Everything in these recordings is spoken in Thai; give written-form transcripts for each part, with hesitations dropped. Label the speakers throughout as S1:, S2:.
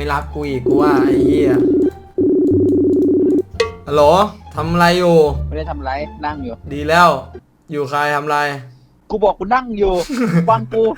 S1: ไม่รับกูอีกกูว่าไอ้เหี้ยฮัลโหลทำอะไรอยู่
S2: ไม่ได้ทำไรนั่งอยู่
S1: ดีแล้วอยู่ใครทำอะไร
S2: กูบอกกูนั่งอยู่ ฟังกู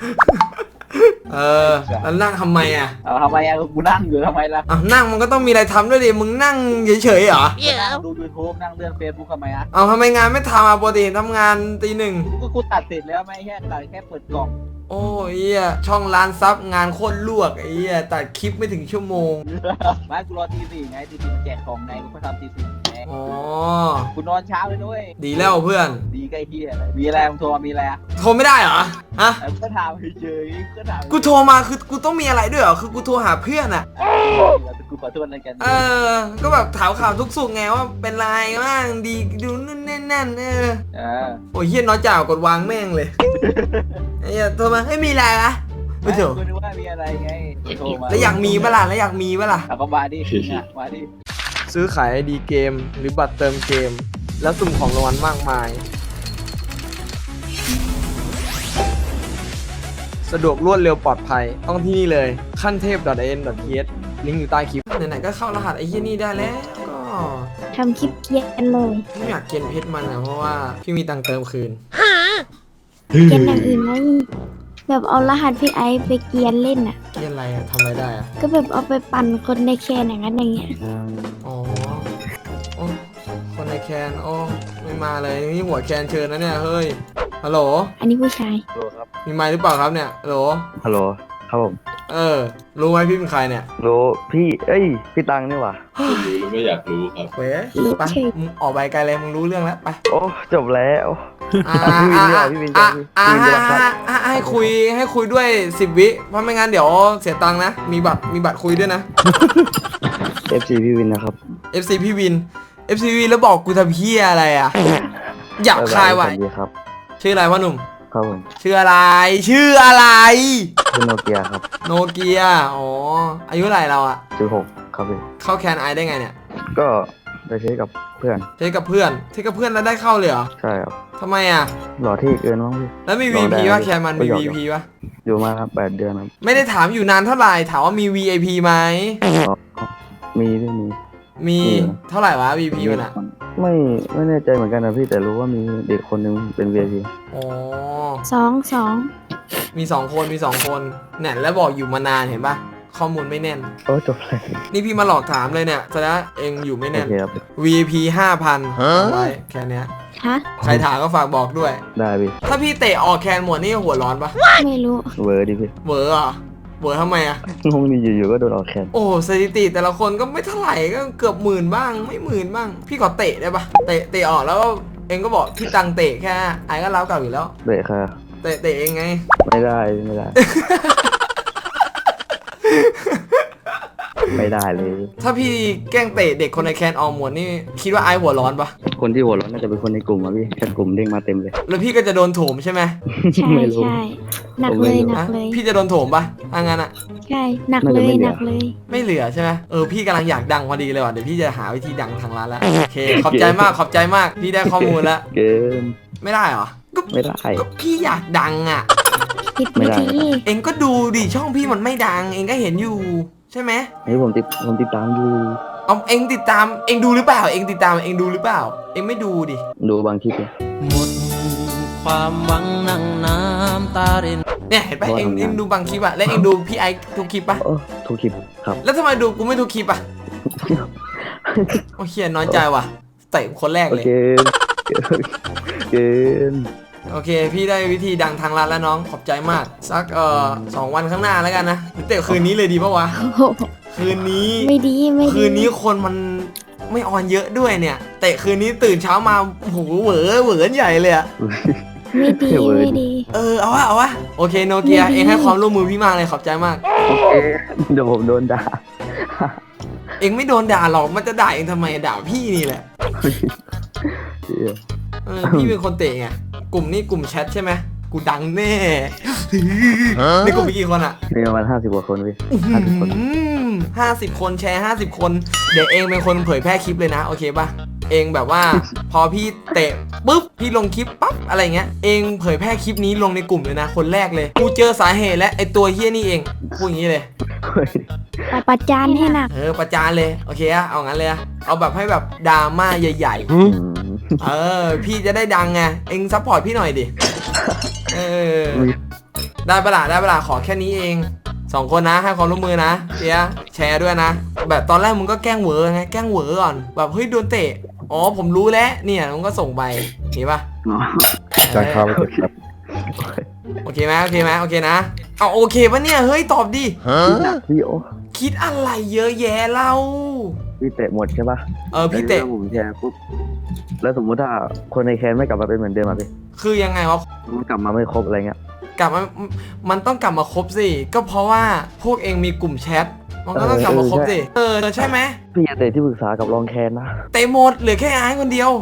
S1: แล้วนั่งทำไมอ่ะ
S2: ทำไมกูนั่งอยู่ทำไมล่ะ
S1: นั่งมันก็ต้องมีอะไรทำด้วยดิมึงนั่งเฉยๆเหรอ
S2: ดู YouTube นั่งเลื่อน Facebook ทำไมอ่ะ
S1: ทำไมงานไม่ทำปกติทำงานตี 1
S2: กูตัดเสร็จแล้วไม่แค่เปิดกล่อง
S1: โอ้ยช่องร้านซับงานโคตรลวกไอ้ตัดคลิปไม่ถึงชั่วโมง
S2: ไม่กูรอตี 4ไงตี 4มันแจกของไงกูก็ทำตี 4ไง
S1: อ๋อ
S2: กูนอนเช้าเลยด้วย
S1: ดีแล้วเพื่อน
S2: ดีใกล้เฮียมีอะไรมึงโทรมีอะไร
S1: โทรไม่ได้เหรอฮะ
S2: ก็ถามเฉยก็ถาม
S1: กูโทรมาคือกูต้องมีอะไรด้วยเหรอคือกูโทรหาเพื่อนอ่ะ
S2: กูขอโทษอะไรกัน
S1: ก็แบบถามข่าวทุกสุขไงว่าเป็นไรบ้างดีดูนู่นแน่นโอ้ยเฮียน้อยจ่ากดวางแม่งเลยไอ้โทรมาไม่มีอะไรนะไม่เถอะ
S2: กูนึกว่ามีอะไรไงโทรมา
S1: แล้วอยากมีปะล่ะ
S2: ก็มาดิ
S1: ซื้อขายไอดีเกมหรือบัตรเติมเกมแล้วสุ่มของรางวัลมากมายสะดวกรวดเร็วปลอดภัยต้องที่นี่เลยขั้นเทพ .in.th ลิงก์อยู่ใต้คลิปไหนๆก็เข้ารหัสไอ้เหี้ยนี่ได้แล้วก็
S3: ทำคลิปเกียนเลย
S1: ไม่อยากเกียนเพชรมันนะเพราะว่าพี่มีตังค์เติมคืน
S3: เกียนอย่างอื่นไหมแบบเอารหัสพี่ไอซ์ไปเกียนเล่นอ่ะ
S1: เกียนอะไรอะทำอะไรได้อะ
S3: ก็แบบเอาไปปั่นคนในแคนอย่างนั้นอย่างเงี้ย
S1: อ๋อคนในแคนโอ้ไม่มาเลยนี่หัวแคนเชิญนะเนี่ยเฮ้ยฮัลโหล
S3: อันนี้ผู้ชาย
S2: ฮัลโหลครับ
S1: มีไมค์หรือเปล่าครับเนี่ยฮัลโหล
S4: ครับผม
S1: รู้ไหมพี่เป็นใครเนี่ย
S4: รู้พี่พี่ตังนี่หว่า
S5: รู้ไม่อยากรู้ครับ
S1: เว้ยไปมึงออกไปไกลเลยมึงรู้เรื่องแล้วไป
S4: โอ้จบแล้ว
S1: ให้คุยด้วย10 วิเพราะไม่งั้นเดี๋ยวเสียตังค์นะมีบัตรคุยด้วยนะ
S4: FC พี่วินนะครับ
S1: FC พี่วิน FC วินแล้วบอกกูทำเพี้ยอะไรอ่ะอยากคายไว้ชื่ออะไรพ่อหนุ่ม
S4: ครับผม
S1: ชื่ออะไร
S4: ชื่อโนเกียครับ
S1: โนเกียอ๋ออายุเท่าไหร่เราอ่ะ
S4: 16ครับพี่
S1: เข้าแคนไอได้ไงเนี่ย
S4: ก็ไปเทสกับเพื่อน
S1: แล้วได้เข้าเลยเหรอ
S4: ใช่ครับ
S1: ทำไมอ่ะ
S4: หล่อที่เกินมั้งพี่
S1: แล้วมี VIP ป่ะแคนมันมี VIP ป่ะ
S4: อยู่มาครับ8 เดือนครับ
S1: ไม่ได้ถามอยู่นานเท่าไหร่ถามว่ามี VIP ไหมมีเท่าไหร่วะ VIP มันอ่ะ
S4: ไม่แน่ใจเหมือนกันนะพี่แต่รู้ว่ามีเด็กคนนึงเป็น VIP
S1: อ๋อ
S3: สอง
S1: มี2 คนเนี่ยแล้วบอกอยู่มานานเห็นป่ะข้อมูลไม่แน่น
S4: จบเลย
S1: นี่พี่มาหลอกถามเลยเนี่ยแสดงเองอยู่ไม่แน่น VIP 5,000เอาไว้แค่นี้ใครถามก็ฝากบอกด้วย
S4: ได้พี่
S1: ถ้าพี่เตะออกแคนหมดนี่หัวร้อนปะ
S3: ไม่รู้
S4: เวอร์ดิพี่
S1: เวอร์อ่ะเวอร์ทำไมอ่ะ
S4: งงดีอยู่ก็โดนออกแคน
S1: โอ้สถิติแต่ละคนก็ไม่เท่าไหร่ก็เกือบ10,000บ้างไม่10,000บ้างพี่ขอเตะได้ปะเตะออกแล้วเองก็บอกพี่ตังเตะแค่ไอ้ก็เล้าเก่าอยู่แล้ว
S4: เตะค่ะ
S1: เตะเองไง
S4: ไม่ได้ ไม่ได้เลย
S1: ถ้าพี่แกล้งเตะเด็กคนในแคนออมหมดนี่คิดว่าไอ้หัวร้อนปะ
S4: คนที่หัวร้อนน่าจะเป็นคนในกลุ่มอะพี่แค่กลุ่มเด้งมาเต็มเลย
S1: แล้วพี่ก็จะโดนโถมใช่ไหม
S3: ใช่หนักเลย
S1: พี่จะโดนโถมปะถ้างั้นอะ
S3: ใช่หนักเลย
S1: ไม่เหลือใช่ไหมพี่กำลังอยากดังพอดีเลยว่ะเดี๋ยวพี่จะหาวิธีดังทางร้านแล้วโอเคขอบใจมากพี่ได้ข้อมูลแล้ว
S4: เกม
S1: ไม่ได้เหรอ
S4: ไม่ได้
S1: ก็พี่อยากดังอะ
S3: ไม่ได้
S1: เองก็ดูดิช่องพี่มันไม่ดังเองก็เห็นอยู่ใช่ไหม
S4: ผมติดตามอยู่
S1: เองติดตามเองดูหรือเปล่าเองติดตามเองดูหรือเปล่าเองไม่ดูดิ
S4: ดูบางคลิป
S6: หมดความหวังนั่งน้ำตาริน
S1: เนี่ยเห็นปะเองดูบางคลิปอะแล้วเองดูพี่ไอทุกคลิปปะ
S4: ทุกคลิปครับ
S1: แล้วทำไมดูกูไม่ทุกคลิปอะโอ้เฮียน้อยใจว่ะเตะคนแรกเลย
S4: เกม
S1: โอเคพี่ได้วิธีดังทางร้านแล้วน้องขอบใจมากสัก2 วันข้างหน้าแล้วกันนะเตะคืนนี้เลยดีปะวะคืนนี้
S3: ไม่ดี
S1: คืนนี้คนมันไม่ออนเยอะด้วยเนี่ยเตะคืนนี้ตื่นเช้ามาโอ้โหเหวอใหญ่เลยอะ
S3: ไม่ดี
S1: เอาวะโอเคโนเกียเองให้ความร่วมมือพี่มากเลยขอบใจมาก
S4: โอเคเดี๋ยวผมโดนด่า
S1: เองไม่โดนด่าหรอกมันจะด่าเองทำไมด่าพี่นี่แหละพี่เป็นคนเตะไงกลุ่มนี้กลุ่มแชทใช่ไหมกูดังแน่ในกลุ่มมีกี่คนอะ
S4: มีประมาณ50 กว่าคนพี่
S1: 50 คนแชร์50 คนเดี๋ยวเองเป็นคนเผยแพร่คลิปเลยนะโอเคป่ะเองแบบว่า พอพี่เตะปุ๊บพี่ลงคลิปปั๊บอะไรเงี้ยเองเผยแพร่คลิปนี้ลงในกลุ่มเลยนะคนแรกเลยกูเจอสาเหตุและไอตัวเฮี้ยนี่เองพูดอย่างนี้เลย
S3: ประจานให้หนัก
S1: ประจานเลยโอเคอะเอางั้นเลยอะเอาแบบให้แบบดราม่าใหญ่ๆพี่จะได้ดังไงเองซัพพอร์ตพี่หน่อยดิได้ปะล่ะขอแค่นี้เอง2 คนนะให้ความร่วมมือนะเดี๋ยวแชร์ด้วยนะแบบตอนแรกมึงก็แกล้งเหวอไงแกล้งเหวอก่อนแบบเฮ้ยโดนเตะอ๋อผมรู้แล้วเนี่ยมึงก็ส่งไปเห็นปะ
S4: จานข้าวไปเก็บครับ
S1: โอเคไหมโอเคนะเอาโอเคปะเนี่ยเฮ้ยตอบดิ
S4: พี่โอ
S1: คิดอะไรเยอะแยะเล่า
S4: พี่เตะหมดใช่ปะ
S1: พี่เตะ
S4: แล้วผมแชร์ปุ๊บแล้วสมมุติถ้าคนในแคนไม่กลับมาเป็นเหมือนเดิมอ่ะพี่
S1: คือยังไงวะ
S4: มันกลับมาไม่ครบอะไรเงี้ย
S1: กลับมามันต้องกลับมาครบสิก็เพราะว่าพวกเองมีกลุ่มแชทมันก็ต้องกลับมาครบสิใช่ไหม
S4: พี่อย่าเตะที่ปรึกษากับรองแคนนะ
S1: เตะหมดเหลือแค่ไอ้คนเดียว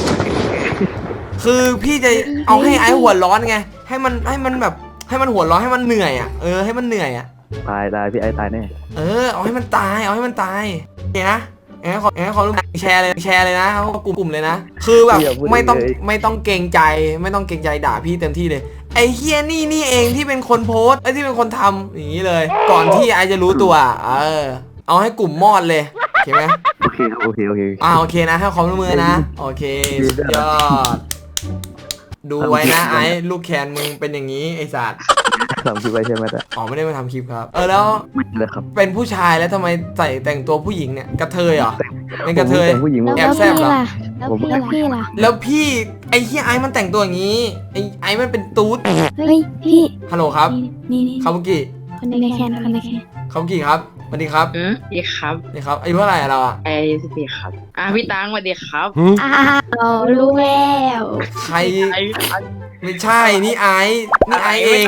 S1: คือพี่จะเอาให้ไอ้หัวร้อนไงให้มันแบบให้มันหัวร้อนให้มันเหนื่อยอ่ะให้มันเหนื่อยอ่ะ
S4: ตายพี่ไอ้ตายแน่
S1: เอาให้มันตายโอเคนะขอรู้แชร์เลยนะเขากลุ่มเลยนะคือแบบไม่ต้องเกรงใจด่าพี่เต็มที่เลยไอ้เฮียนี่เองที่เป็นคนโพสที่เป็นคนทำอย่างนี้เลย ก่อนที่ไอจะรู้ตัวเอาให้กลุ่มมอดเลยโอเคไหม
S4: โอเคครับโอเค
S1: โอเคนะให้ความร่วมมือนะโอเคสุดยอดดูไว้นะไอ้ลูกแคนมึงเป็นอย่างนี้ไอ้สัตว์
S4: ทำคลิปไว้ใช่ไหมจ๊ะ
S1: ไม่ได้มาทำคลิปครับแล้ว
S4: ไม่เลยครับ
S1: เป็นผู้ชายแล้วทำไมใส่แต่งตัวผู้หญิงเนี่ยกระเทยเหรอเป็นกระเทย
S4: ผู้หญิง
S3: แล้ว
S1: แอบแซ่บเหรอ
S3: พี่ล่ะ
S1: แล้วพี่ไอ้เฮียไอ้มันแต่งตัวอย่างนี้ไอ้มันเป็นตูด
S3: เฮ้ยพี่
S1: ฮัลโหลครับ
S3: นี่
S1: คาบุกิ
S3: คนในแคน
S1: คาบุกิครับสวัสดีครับ
S5: ดีครับ
S1: นี่ครับอายุเท่าไหร่เราอะ
S5: ไอ้สตีครับพี่ตังสวัสดีครับ
S3: อ้าวรู้แล้ว
S1: ใคร
S5: ไอ้
S1: ไม่ใช่นี่ไอ้เอง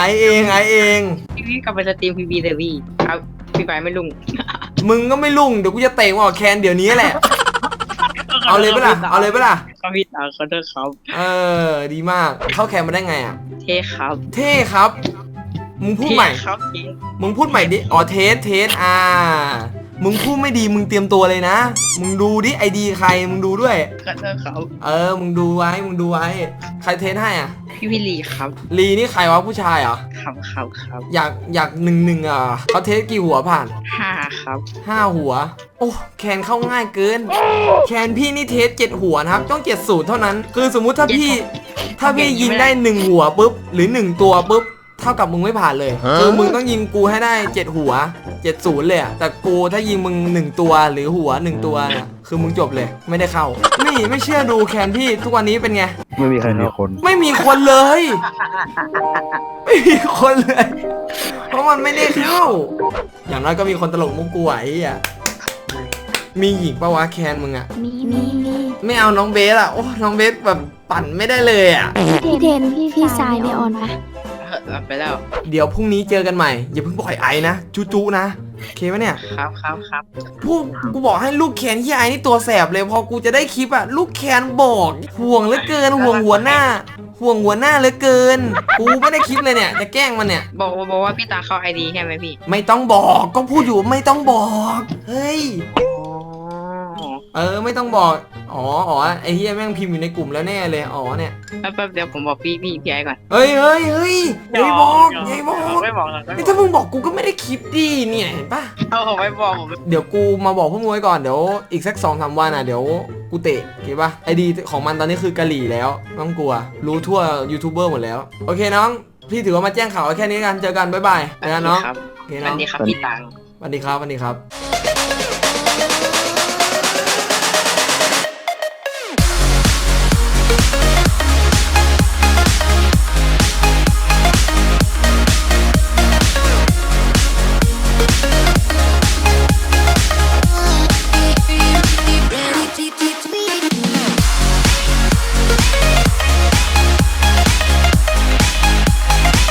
S5: พี่กลับไปสตรีมพีบีเดวี่ครับพี่ไปไม่ลุง
S1: มึงก็ไม่ลุ่งเดี๋ยวกูจะเตะมึงออกแคนเดี๋ยวนี้แหละเอาเลยปะล่ะ
S5: ครับพี่ตังขอโทษครับ
S1: ดีมากเข้าแคนมาได้ไงอะ
S5: เท่ครับ
S1: เท่ครับมึงพูดใหม่
S5: เท่ครับเท่
S1: มึงพูดใหม่ดิเทสมึงพูดไม่ดีมึงเตรียมตัวเลยนะมึงดูดิไอดีใครมึงดูด้วย
S5: ขอโทษครับ
S1: มึงดูไว้ใครเทสให้อ่ะ
S5: พี่วิลลีครับ
S1: ลีนี่ใครวะผู้ชายเหรอ
S5: ครับ
S1: อยาก1-1อ่ะเขาเทสกี่หัวผ่าน
S5: 5ครับ
S1: 5 หัวโอ้แคนเข้าง่ายเกินแคนพี่นี่เทส7 หัวนะครับต้อง70เท่านั้นคือสมมุติถ้าพี่ยิงได้1 หัวปุ๊บหรือ1 ตัวปุ๊บเท่ากับมึงไม่ผ่านเลยคือมึงต้องยิงกูให้ได้7 หัว70เลยอะแต่กูถ้ายิงมึง1 ตัวหรือหัว1 ตัวเนี่ยคือมึงจบเลยไม่ได้เข้านี่ไม่เชื่อดูแคนพี่ทุกวันนี้เป็นไง
S4: ไม่มีใครมีคน
S1: ไม่มีคนเลยไม่มีคนเลย เพราะมันไม่ได้เข้า อย่างน้อยก็มีคนตลกมุกกูไหวอ่ะมีหญิงปะวะแคนมึงอ่ะ
S3: มี
S1: ไม่เอาน้องเบสอ่ะโอ้น้องเบสแบบปั่นไม่ได้เลยอ่ะ
S3: พี่เทนพี่สายในออนปะ
S5: รับไปแล้ว
S1: เดี๋ยวพรุ่งนี้เจอกันใหม่อย่าเพิ่งปล่อยไอ้นะจุนะโอเคปะเนี่ย
S5: ครับ
S1: พวกกูบอกให้ลูกแคนที่ไอ้นี่ตัวแสบเลยพอกูจะได้คลิปอ่ะลูกแคนบอกห่วงเหลือเกินห่วงหัวหน้าเหลือเกินกูไม่ได้คลิปเลยเนี่ยจะแกล้งมันเนี่ย
S5: บอกว่าพี่ตังเข้าไอดีใช่ไหมพี่
S1: ไม่ต้องบอกก็พูดอยู่ไม่ต้องบอกเฮ้ยไม่ต้องบอกอ๋อไอ้เฮียแม่งพิมพ์อยู่ในกลุ่มแล้วแน่เลยเนี่ย
S5: แป๊บเดี๋ยวผมบอกพี่ไอ้ก่อน
S1: เฮ้ยอย่าบอก
S5: ไม่บอก
S1: นี่ถ้ามึงบอกกูก็ไม่ได้คลิปดิเนี่ยเห็นปะ
S5: ผมไม่บอกผม
S1: เดี๋ยวกูมาบอกพวกมึงไว้ก่อนเดี๋ยวอีกสัก 2-3 วันเดี๋ยวกูเตะโอเคปะไอดีของมันตอนนี้คือกะหรี่แล้วไม่ต้องกลัวรู้ทั่วยูทูบเบอร์หมดแล้วโอเคน้องพี่ถือว่ามาแจ้งข่าวแค่นี้กันเจอกันบ๊ายบายนะน้องโอเค
S5: ส
S1: น้
S5: วั
S1: อง
S5: สดีครับพี่ตัง
S1: สวัสดีครับ